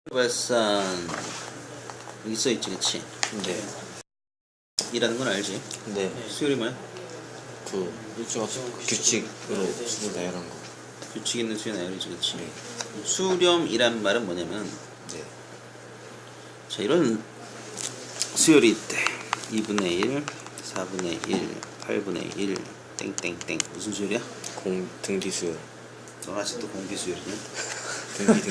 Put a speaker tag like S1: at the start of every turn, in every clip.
S1: 발산 여기 써있지, 그치?
S2: 네.
S1: 이라는 건 알지?
S2: 네.
S1: 수열이 뭐야?
S2: 그 규칙으로 수를 나열한 거.
S1: 규칙 있는 수열 나열이지, 그치?
S2: 네.
S1: 수렴이란 말은 뭐냐면,
S2: 네.
S1: 자, 이런 수열이 있대. 2분의 1, 4분의 1, 8분의 1, 땡땡땡. 무슨 수열이야?
S2: 등비수열.
S1: 넌 아직도 공비수열이냐?
S2: 등비.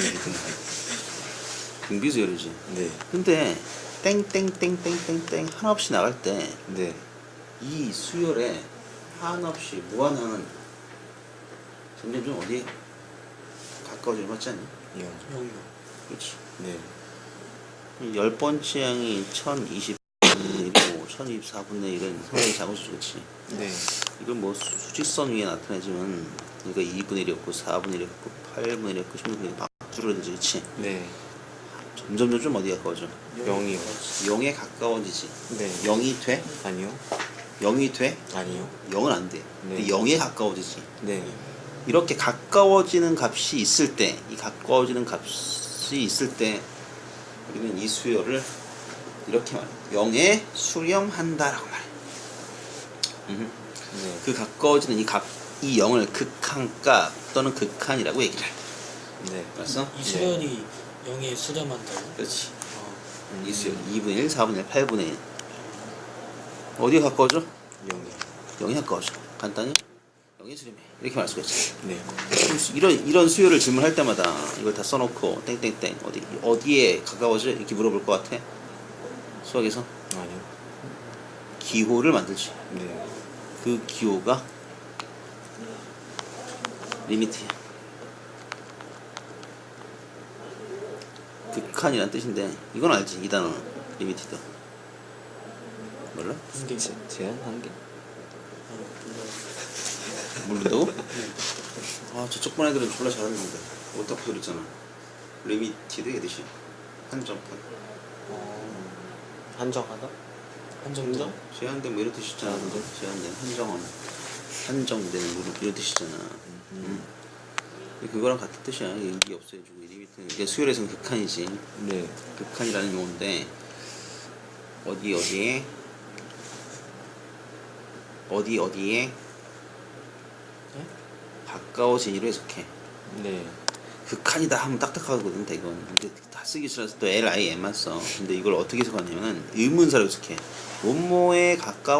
S1: 공비수열이지.
S2: 네.
S1: 근데 땡땡땡땡땡땡 하나 없이 나갈 때
S2: 네.
S1: 이 수열에 한없이 무한하는 점점 좀 어디에 가까워지는 것 같지 않니?
S2: 영.
S1: 그렇지.
S2: 네.
S1: 10번째 양이 1024분의 1이고 1024분의 1은 상당히 작은 수지, 그렇지?
S2: 네.
S1: 이건 뭐 수직선 위에 나타내지만 그러니까 2분의 1이었고 4분의 1이었고 8분의 1이었고 16분의 1이 막 줄어들지, 그렇지?
S2: 네.
S1: 점점 좀 어디에 가까워져?
S2: 0이요.
S1: 0에 가까워지지.
S2: 네.
S1: 0이 돼?
S2: 아니요.
S1: 0이 돼?
S2: 아니요.
S1: 0은 안 돼.
S2: 네.
S1: 근데 0에 가까워지지.
S2: 네.
S1: 이렇게 가까워지는 값이 있을 때, 이 가까워지는 값이 있을 때 우리는 이 수열을 이렇게 말해. 0에 수렴한다라고 말해.
S2: 네.
S1: 그 가까워지는 이 0을 극한값 또는 극한이라고 얘기를 해.
S2: 네.
S1: 알았어?
S3: 이 수열이 0에 수렴한다고?
S1: 그렇지. 이 수열 2분의 1, 4분의 1, 8분의 1. 어디에 가까워져?
S2: 0이요.
S1: 0에 가까워져. 간단히 0에 수렴해. 이렇게 말할 수가 있지.
S2: 네.
S1: 이런 수요를 질문할 때마다 이걸 다 써놓고 땡땡땡 어디에 가까워져 이렇게 물어볼 것 같아? 수학에서
S2: 아니요.
S1: 기호를 만들지.
S2: 네.
S1: 그 기호가 리미트야. 극한이란 뜻인데 이건 알지? 이 단어 리미티드. 몰라?
S3: 한계.
S2: 제한 한계?
S1: 모른다고? 아 저쪽 반 애들은 졸라 잘하는데 어떻게 그랬잖아. 리미티드 얘듯이 한정판.
S2: 한정하다?
S3: 한정도?
S1: 제한된 뭐 이런 뜻이잖아. 제한된 한정원 한정된 뭐 이런 뜻이잖아. 그거랑 같은 뜻이야. 이게 없어져주고 리미트는 이게 수열에서는 극한이지.
S2: 네.
S1: 극한이라는 용어인데 어디에
S3: 네?
S1: 가까워지기로 해석해.
S2: 네.
S1: 극한이다 하면 딱딱하거든. 이건 근데 다 쓰기 싫어서 또 LIM만 써. 근데 이걸 어떻게 해석하냐면은 의문사로 해석해. 뭐뭐에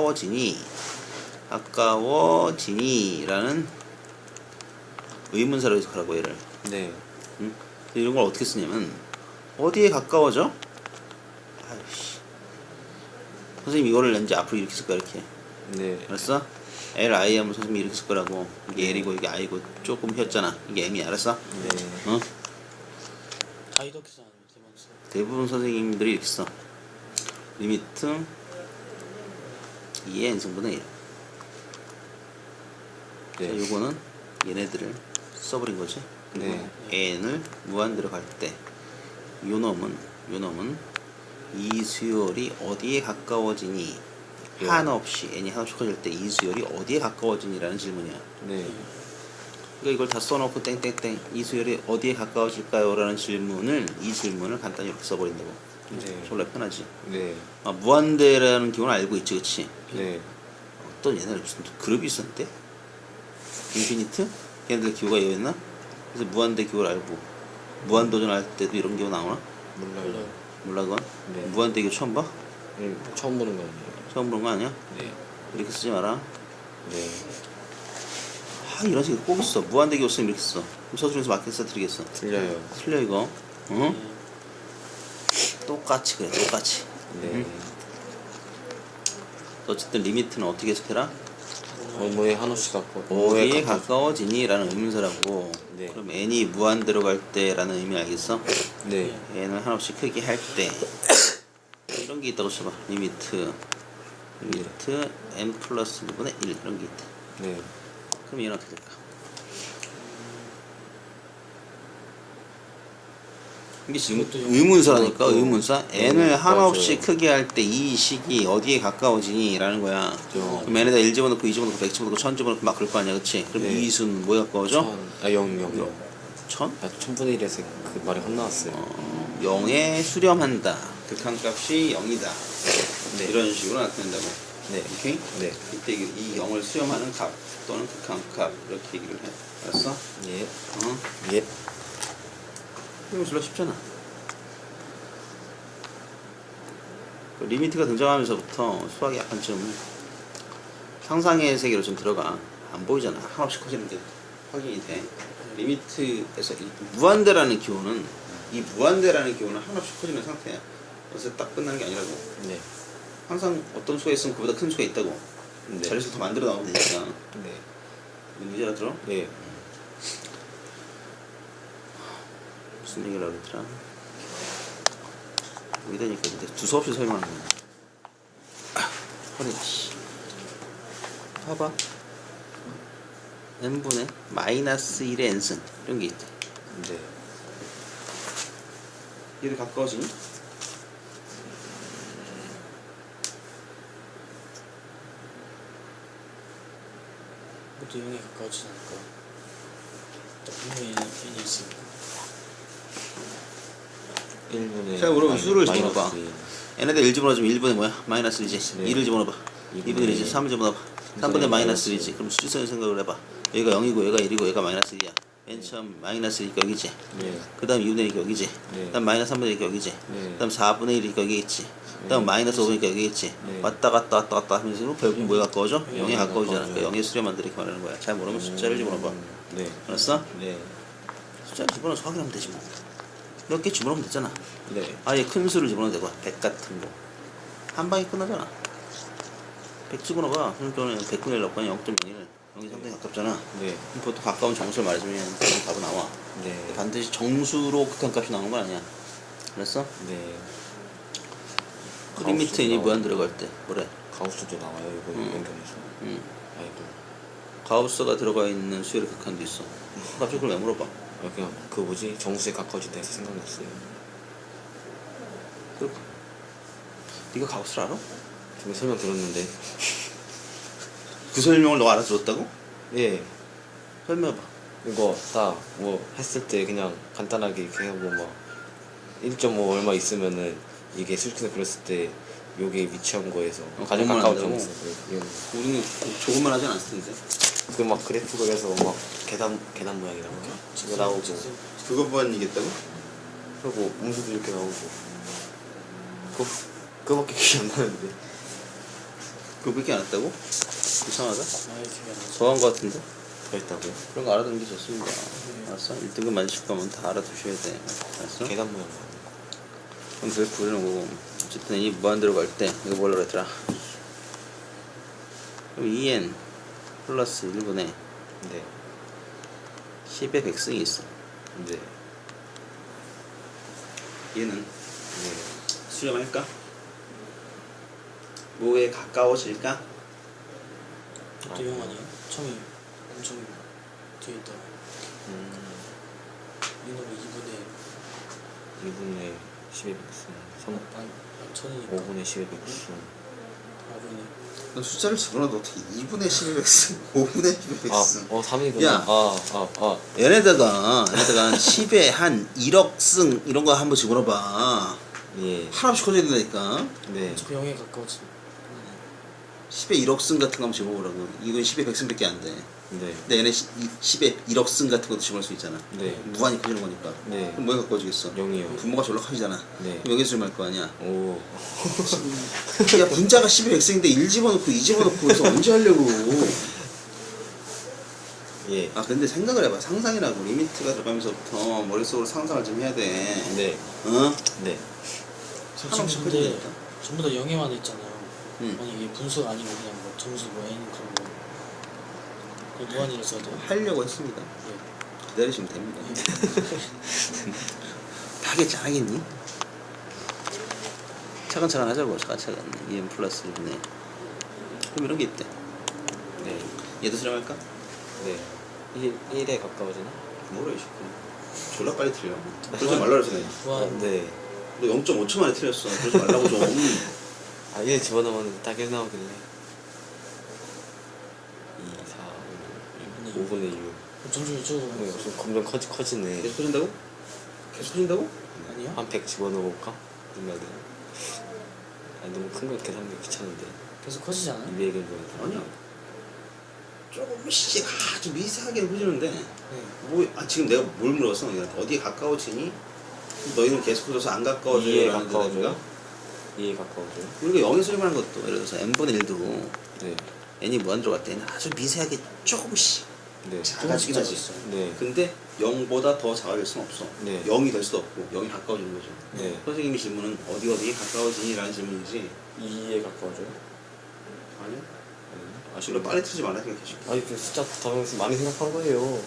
S1: 가까워지니라는 의문사로 해석하라고 얘를.
S2: 네.
S1: 응? 이런 걸 어떻게 쓰냐면 어디에 가까워져? 아이씨. 선생님 이거를 이제 앞으로 이렇게 쓸 거야. 이렇게.
S2: 네.
S1: 알았어? LI 하면 선생님이 이렇게 쓸 거라고. 이게 L이고 이게 I고 조금 휘었잖아. 이게 M이 알았어?
S2: 네.
S1: 어?
S3: 다 이렇게 써 아니면 대만 써?
S1: 대부분 선생님들이 이렇게 써. 리미트 2의 n승분의 1.
S2: 네.
S1: 자, 요거는 얘네들을 써버린 거지.
S2: 네.
S1: n을 무한대로 갈 때 요놈은 이 수열이 어디에 가까워지니
S2: 네.
S1: 한없이 n이 한없이 커질 때 이 수열이 어디에 가까워지니라는 질문이야.
S2: 네.
S1: 그러니까 이걸 다 써놓고 땡땡땡 이 수열이 어디에 가까워질까요? 라는 이 질문을 간단히 이렇게 써버린다고.
S2: 네.
S1: 졸라 편하지.
S2: 네.
S1: 아, 무한대라는 기호는 알고 있지, 그치?
S2: 네.
S1: 어떤 옛날에 무슨 그룹이 있었는데? 인피니트? 걔네들 기호가 이거였나? 그래서 무한대 기호를 알고 무한도전 할 때도 이런 기호 나오나?
S2: 몰라요.
S1: 몰라 그건?
S2: 네.
S1: 무한대 기호 처음 봐?
S2: 처음 보는 거 아니에요?
S1: 처음 보는 거 아니야?
S2: 네.
S1: 이렇게 쓰지 마라.
S2: 네.
S1: 아 이런 식으로 꼭 있어. 무한대 기호 쓰면 이렇게 써. 그럼 서술에서 맞게 써드리겠어.
S2: 틀려요.
S1: 틀려 이거. 응? 똑같이 그래 똑같이.
S2: 네.
S1: 어쨌든 리미트는 어떻게 해석해라?
S2: 뭐에 한없이 갖고
S1: 어디에 가까워지니? 라는 의문사라고.
S2: 네.
S1: 그럼 n이 무한대로 갈 때 라는 의미 알겠어?
S2: 네.
S1: n을 한없이 크게 할 때 이런 게 있다고 쳐봐. 리미트 n 플러스 2분의 1 이런 게 있다.
S2: 네.
S1: 그럼 얘는 어떻게 될까? 이게 지금
S3: 이것도
S1: 의문사라니까.
S2: 이것도
S1: 의문사. n을
S2: 네,
S1: 한없이
S2: 맞아요.
S1: 크게 할 때 이 식이 어디에 가까워지니? 라는 거야.
S2: 저
S1: 그럼 n에다 1 집어넣고 2 집어넣고 100 집어넣고 1000 집어넣고 막 그럴 거 아니야, 그치? 그럼
S2: 네.
S1: 이 수는 뭐에 가까워져?
S2: 0.
S1: 1000?
S2: 천분의 1에서 그 말이 혼나왔어요.
S1: 0에 수렴한다. 극한값이 0이다.
S2: 네.
S1: 이런 식으로 나타낸다고.
S2: 네.
S1: 오케이?
S2: 네.
S1: 이때 이 0을 수렴하는 값 또는 극한값 이렇게 얘기를 해. 알았어?
S2: 예.
S1: 어?
S2: 예.
S1: 이거 별로 쉽잖아. 그 리미트가 등장하면서부터 수학이 약간 좀 상상의 세계로 좀 들어가. 안 보이잖아. 한없이 커지는 게 확인이 돼. 리미트에서 이 무한대라는 기호는 한없이 커지는 상태야. 그래서 딱 끝나는 게 아니라고.
S2: 네.
S1: 항상 어떤 수가 있으면 그보다 큰 수가 있다고.
S2: 네.
S1: 자릿수 더 만들어 나오면 되니까.
S2: 네.
S1: 문제 알아들어?
S2: 예.
S1: 무슨 얘기를 하더라? 여기다니까 근데 두서없이 설명하는 거야. 허리가 씨. 봐봐. n분의 마이너스 1의 n승 이런 게 있다.
S2: 네.
S1: 얘를 가까워지니?
S3: 그것도 0에 가까워지지 않을까? 또 분명히 n이 있으니까.
S2: 1분의
S1: 자, 그럼 수를 집어넣어봐.
S2: 네.
S1: n에다 1 집어넣으면 1분의 뭐야? 마이너스 1이지.
S2: 네.
S1: 2를 집어넣어봐. 2분의 1이지. 3을 집어넣어봐. 3분의 마이너스 1이지. 그럼 수직선을 생각을 해봐. 여기가 0이고 얘가 1이고 얘가 마이너스 1이야. 맨 처음 마이너스니까 여기지.
S2: 네.
S1: 그 다음 2분의 1이니까 여기지.
S2: 네.
S1: 그 다음 마이너스 3분의 1이니까 여기지.
S2: 네.
S1: 그 다음 4분의 1이니까 여기겠지. 그 다음 마이너스 5니까 여기겠지.
S2: 네.
S1: 왔다 갔다 왔다 갔다 하면서 결국 뭐에 가까워져? 0에
S2: 영에
S1: 가까워지잖아.
S2: 가까워져요.
S1: 그러니까 0에 수렴한다 이렇게 말하는 거야. 잘 모르면 숫자를 집어넣어봐.
S2: 네.
S1: 알았어?
S2: 네.
S1: 숫자를 집어넣어서 확인하면 되지 뭐. 몇 개 집어넣으면 되잖아.
S2: 네.
S1: 아예 큰 수를 집어넣어도 되고 100 같은 거. 한 방에 끝나잖아. 100 집어넣어봐. 그러니까 100분의 1 넣고 0.01. 0이 상당히 가깝잖아.
S2: 네.
S1: 그럼 보통 가까운 정수를 말해주면 그런 답은 나와.
S2: 네.
S1: 반드시 정수로 극한값이 나오는 건 아니야. 알았어?
S2: 네.
S1: 그 리미트 인이 무한 들어갈 때 뭐래?
S2: 가우스도 나와요 이거 연결해서. 아이고.
S1: 가우스가 들어가 있는 수열의 극한도 있어. 갑자기 그걸 왜 물어봐?
S2: 그냥 그 뭐지 정수에 가까워진다 해서 생각났어요.
S1: 네가 가우스를 알아?
S2: 지금 설명 들었는데.
S1: 그 설명을 너가 알아들었다고?
S2: 예.
S1: 설명해봐.
S2: 이거 딱 뭐 했을 때 그냥 간단하게 이렇게 하고 막 1.5 얼마 있으면은 이게 수직선에 그렸을 때 요게 위치한 거에서 가장
S1: 그것만
S2: 가까운
S1: 한다고?
S2: 점수.
S1: 우리는 조금만 하진 않을 텐데.
S2: 그막 그래프 그려서 막 계단 모양이 나오고 이거 나오고
S1: 그것만 이겠다고?
S2: 그리고 음수도 이렇게 나오고 그거밖에 기억이 안 나는데.
S1: 그거밖에 안 했다고? 이상하다.
S3: 아예 기억이 안 나죠.
S1: 더한 거 같은데?
S2: 더 있다고요?
S1: 그런 거 알아두는 게 좋습니다. 알았어? 1등급 맞으실 거면 다 알아두셔야 돼. 알았어?
S2: 계단 모양.
S1: 그럼 그래프 그리는 거고. 어쨌든 이 무한대로 갈 때 이거 뭐라 그랬더라? 그럼 2n 플러스 1분의
S2: 네.
S1: 10의 백승이 있어.
S2: 네.
S1: 얘는
S2: 네.
S1: 수렴할까? 뭐에 가까워질까?
S3: 그것도 0 아니에요? 처음에 엄청 뒤에 있다. 이놈의
S2: 2분의 10의 백승 3
S3: 천이니까
S2: 5분의 10의 백승
S3: 4분의
S1: 너 숫자를 집어넣어도 어떻게 2분의 10의 백승, 5분의 10의 백승.
S2: 3이구나.
S1: 야. 얘네다가 10에 한 1억 승 이런 거 한번 집어넣어봐.
S2: 예.
S1: 하나씩 커져야 된다니까.
S2: 네.
S3: 어차피 0에 가까워지.
S1: 10에 1억 승 같은 거 한번 집어보라고. 이건 10에 100승밖에 안 돼.
S2: 네.
S1: 근데 얘네 10에 1억 승 같은 것도 집어넣을 수 있잖아.
S2: 네.
S1: 무한히 커지는 거니까.
S2: 네.
S1: 그럼 뭐에 가까워지겠어?
S2: 0이요.
S1: 분모가 절로 커지잖아.
S2: 네.
S1: 그럼 여기서 좀 할 거 아니야.
S2: 오.
S1: 야, 분자가 10에 100승인데 1 집어넣고 2 집어넣고 그래서 언제 하려고.
S2: 예.
S1: 아 근데 생각을 해봐. 상상이라고. 리미트가 들어가면서부터 머릿속으로 상상을 좀 해야 돼.
S2: 네.
S1: 어?
S2: 네.
S1: 하나씩
S3: 지금
S1: 커지면
S3: 근데
S1: 되겠다.
S3: 전부 다 0에만 있잖아요.
S1: 응.
S3: 아니 이게 분수가 아니고 그냥 뭐 점수 뭐 n 그런 거. 그냥 무한이라 써야 돼요.
S1: 하려고 했습니다.
S3: 예.
S1: 기다리시면 됩니다. 다 하겠지, 안 하겠니? 차근차근 하자고, 차근차근. 2n 플러스 1분의. 그럼 이런 게 있대.
S2: 네.
S1: 얘도 수렴할까?
S2: 네. 1에 가까워지나?
S1: 뭐래, 이 새끼. 졸라 빨리 틀려. 그러지 말라 그러잖아.
S3: 무한
S2: 네.
S1: 너 0.5초 만에 틀렸어. 그러지 말라고 좀.
S2: 1 집어넣으면 딱 1 나오길래 2, 4, 5, 5분의 6.
S3: 점점 이쪽으로
S2: 좀 점점 커지네.
S1: 계속 커진다고? 계속 커진다고?
S3: 아니요?
S2: 한 100 집어넣어볼까? 얼마야 돼? 아니 너무 큰 거 계산하기 귀찮은데.
S3: 계속 커지지 않아요?
S2: 200은 뭐
S1: 아니야. 조금씩 아주 미세하게 커지는데
S3: 네.
S1: 지금 내가 뭘 물었어? 어디에 가까워지니? 너희는 계속 커져서 안 가까워져요?
S2: 2에
S1: 라는
S2: 가까워져요?
S1: 대답인가?
S2: 2에 가까워져요?
S1: 우리가 0의 소리만 한 것도 예를 들어서 n분의 1도
S2: 네.
S1: n이 무한대로 갈 때는 아주 미세하게 조금씩
S2: 네.
S1: 작아지긴 하지.
S2: 네.
S1: 근데 0보다 더 작아질 수는 없어.
S2: 네.
S1: 0이 될 수도 없고 0이 가까워지는 거죠.
S2: 네.
S1: 선생님이 질문은 어디에 가까워지니? 라는 질문이지.
S2: 2에 가까워져요?
S1: 아니
S2: 아,
S1: 지금 빨리 틀지 말라 생각해.
S2: 아니 그 숫자 다면서 많이 생각한 거예요.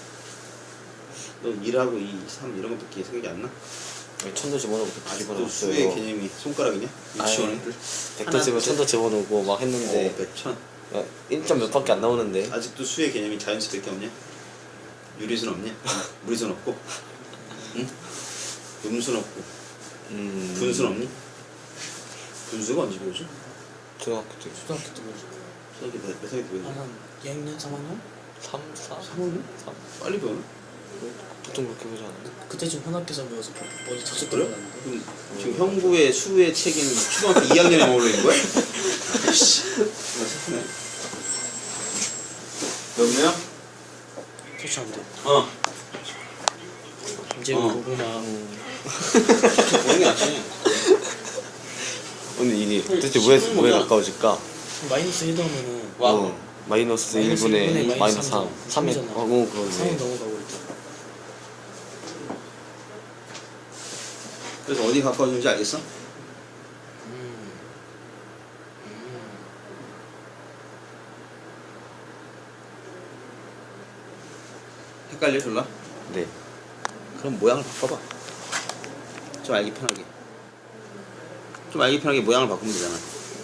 S1: 너 1하고 2, 3 이런 것밖에 생각이 안 나?
S2: 천도 집어넣고
S1: 아직도 수의
S2: 집어넣었어요.
S1: 개념이 손가락이냐? 유치원
S2: 아니,
S1: 애들?
S2: 백도 집어 천도 집어넣고 막 했는데
S1: 백천.
S2: 1점 몇 밖에 안 나오는데.
S1: 아직도 수의 개념이 자연수밖에 없냐? 유리수는 없냐? 무리수는 없고? 응? 음수는 없고? 분수는 없니? 분수가 언제 배우죠?
S2: 초등학교 때
S3: 초등학교 때 배우죠.
S1: 수학이 몇 살때 배우죠?
S3: 한 2학년, 3학년?
S2: 3, 4,
S1: 3학년?
S2: 3
S1: 빨리 배우나?
S2: 보통 그렇게 보지 않아요?
S3: 그때쯤 현악기사 배워서 머리 터질
S1: 그래?
S3: 때가 났는데.
S1: 그럼 지금 형부의 수의 책임 초등학교 2학년에 머물러 있는 거야? 아이씨 정말 슬프네. 여보세요?
S3: 터치 안 돼. 이제
S1: 어.
S3: 고구마.
S1: 보는 게 낫지.
S2: 근데 이게 도대체 왜 가까워질까?
S3: 마이너스 1 넣으면은
S1: 와.
S2: 마이너스
S3: 마이너스
S2: 1분의
S3: 일분의
S2: 마이너스 3
S3: 마이너스
S2: 3에
S3: 삼이잖아.
S2: 그러네
S3: 3은 넘어가고 있다.
S1: 그래서 어디 가까워지는지 알겠어? 헷갈려 졸라?
S2: 네.
S1: 그럼 모양을 바꿔봐. 좀 알기 편하게. 좀 알기 편하게 모양을 바꾸면 되잖아.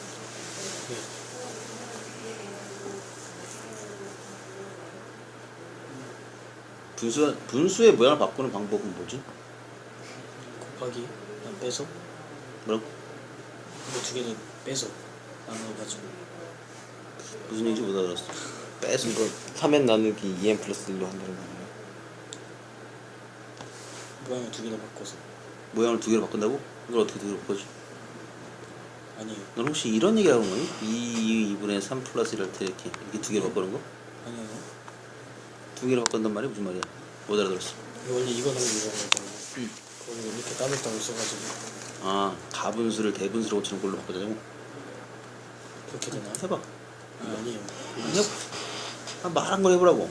S1: 분수의 모양을 바꾸는 방법은 뭐지?
S3: 곱하기 그냥 빼서
S1: 뭐라고?
S3: 이거 두 개는 빼서 나눠가지고
S1: 무슨 얘기인지 못 알아들었어. 빼서
S2: 이거 3n 나누기 2n 플러스 1로 한다는 거예요.
S3: 모양을 두 개나 바꿔서.
S1: 모양을 두 개로 바꾼다고? 이걸 어떻게 두 개로 바꾸지?
S3: 아니에요.
S1: 넌 혹시 이런 얘기 하는 거니? 2분의 3 플러스 1할 때 이렇게 두 개로 바꾸는 거?
S3: 아니에요.
S1: 두 개로 바꾼단 말이 무슨 말이야? 못 알아들었어.
S3: 이거 원래 이거 넣는 거잖아. 그거를 이렇게 따로따로 써가지고
S1: 아, 가분수를 대분수로 고치는 걸로 바꾸자고?
S3: 그렇게 되나?
S1: 해봐.
S3: 아니에요.
S1: 해봐. 말한 걸 해보라고.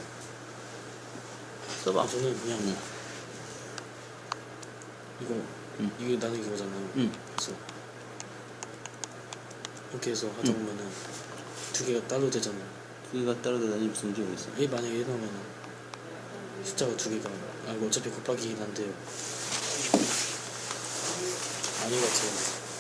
S1: 써봐.
S3: 저는 그냥
S1: 응.
S3: 이거
S1: 응.
S3: 이거 나누기 거잖아요.
S1: 응.
S3: 그래서 이렇게 해서 하다 보면은 두 개가 따로 되잖아.
S1: 두 개가 따로 되다니 무슨 문제 모르겠어.
S3: 왜 만약에 1 넣으면은 숫자가 두 개가 이거 어차피 곱하기긴 한데요. 아닌 것 같아요.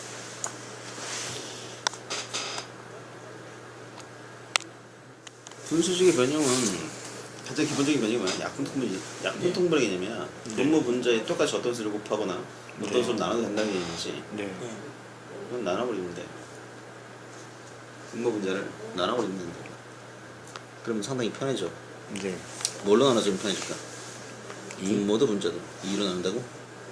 S1: 분수식의 변형은 가장 기본적인 변형이 뭐야? 약분통분의 개념이야. 분모 분자에 똑같이 어떤 수를 곱하거나 어떤 수를 나눠도 된다는 개념이지.
S2: 네.
S3: 네.
S1: 그럼 나눠버리면 돼. 분모 분자를 나눠버리면 된다. 그러면 상당히 편해져.
S2: 네.
S1: 뭘로 나눠주면 편해질까? 분모도 분자도 2로 나눈다고?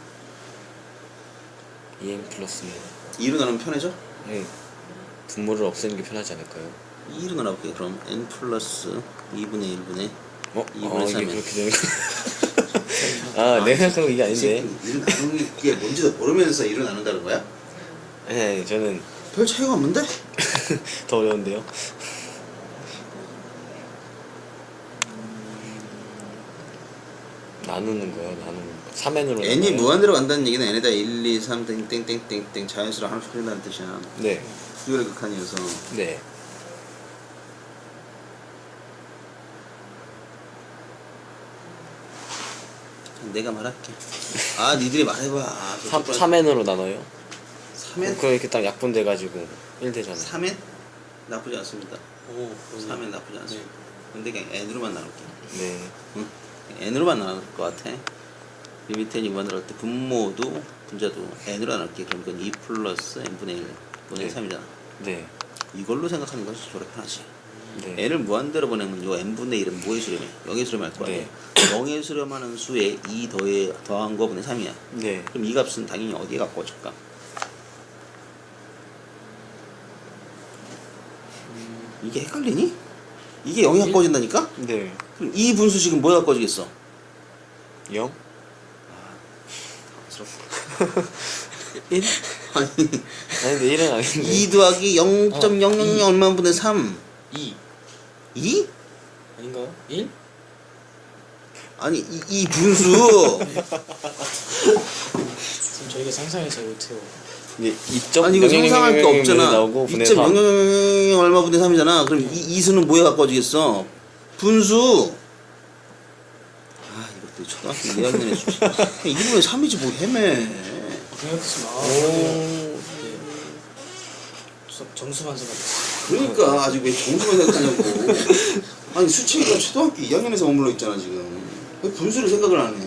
S2: 2n 플러스
S1: 2로 나누면 편해져?
S2: 네. 분모를 없애는 게 편하지 않을까요?
S1: 2로 나눠볼게. 그럼 n 플러스 2분의 1분의
S2: 어?
S1: 2분의
S2: 이게
S1: 3은
S2: 그렇게 되는 아, 내가 생각한 거 이게 아닌데.
S1: 2로 나누는 게 뭔지도 모르면서 2로 나눈다는 거야?
S2: 네, 저는
S1: 별 차이가 없는데?
S2: 더 어려운데요. 나누는 거요, 나누는 거. 3n으로
S1: n이 무한대로 간다는 얘기는 n에다 1, 2, 3 땡땡땡땡땡 자연수로 하나씩 풀린다는 뜻이야.
S2: 네.
S1: 수열의 극한이어서.
S2: 네.
S1: 내가 말할게. 아, 니들이 말해봐.
S2: 3n으로 나눠요?
S1: 3n?
S2: 그럼 이렇게 딱 약분돼가지고 1 되잖아요.
S1: 3n? 나쁘지 않습니다.
S3: 오,
S1: 3n 나쁘지 않습니다. 근데 그냥 n으로만 나눌게.
S2: 네.
S1: 응? n으로만 나눌 것 같아. 리미트 n이 무한대로 할 때 분모도 분자도 n으로 나눌게. 그럼 그건 2 플러스 n분의 1 분의
S2: 네.
S1: 3이잖아.
S2: 네.
S1: 이걸로 생각하는 것이 저렇게 편하지.
S2: 네.
S1: n을 무한대로 보내면 요 n분의 1은 뭐의 수렴해? 0의 수렴할 거 아니야.
S2: 네.
S1: 0의 수렴하는 수에 2 더한 거분의 3이야.
S2: 네.
S1: 그럼 이 값은 당연히 어디에 가까워질까? 이게 헷갈리니? 이게 0이 가까워진다니까?
S2: 네.
S1: 그럼 이 분수식은 뭐에 가까워지겠어?
S2: 0?
S1: 1? 아니
S2: 아니 근데 1은 아닌데.
S1: 2 더하기 0.000 얼마 분의 3
S3: 2
S1: 2?
S3: 아닌가요? 1?
S1: 아니 이 분수
S3: 지금 저희가 상상을 잘 못해요.
S2: 이게 2점
S1: 아니 이거 상상할 게 없잖아.
S2: 나오고 분의 3.
S1: 2.000 얼마 분의 3이잖아. 그럼 이 수는 뭐에 가까워지겠어? 분수. 아 이것도 초등학교 2학년의 수지. 1분의 3이지 뭐 헤매.
S3: 생각했으면
S2: 오.
S3: 네. 정수만 생각했어요.
S1: 그러니까 아직 왜 정수만 생각하냐고. 아니 수치가 초등학교 2학년에서 머물러 있잖아 지금. 왜 분수를 생각을 안 해?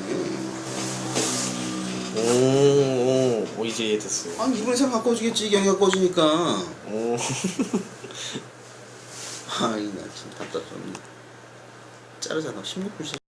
S2: 오, 이제 이해됐어.
S1: 아니 2분의 3 가까워지겠지. 0이 가까워지니까.
S2: 오.
S1: 아이 나 진짜 답답해. 자르잖아. 16분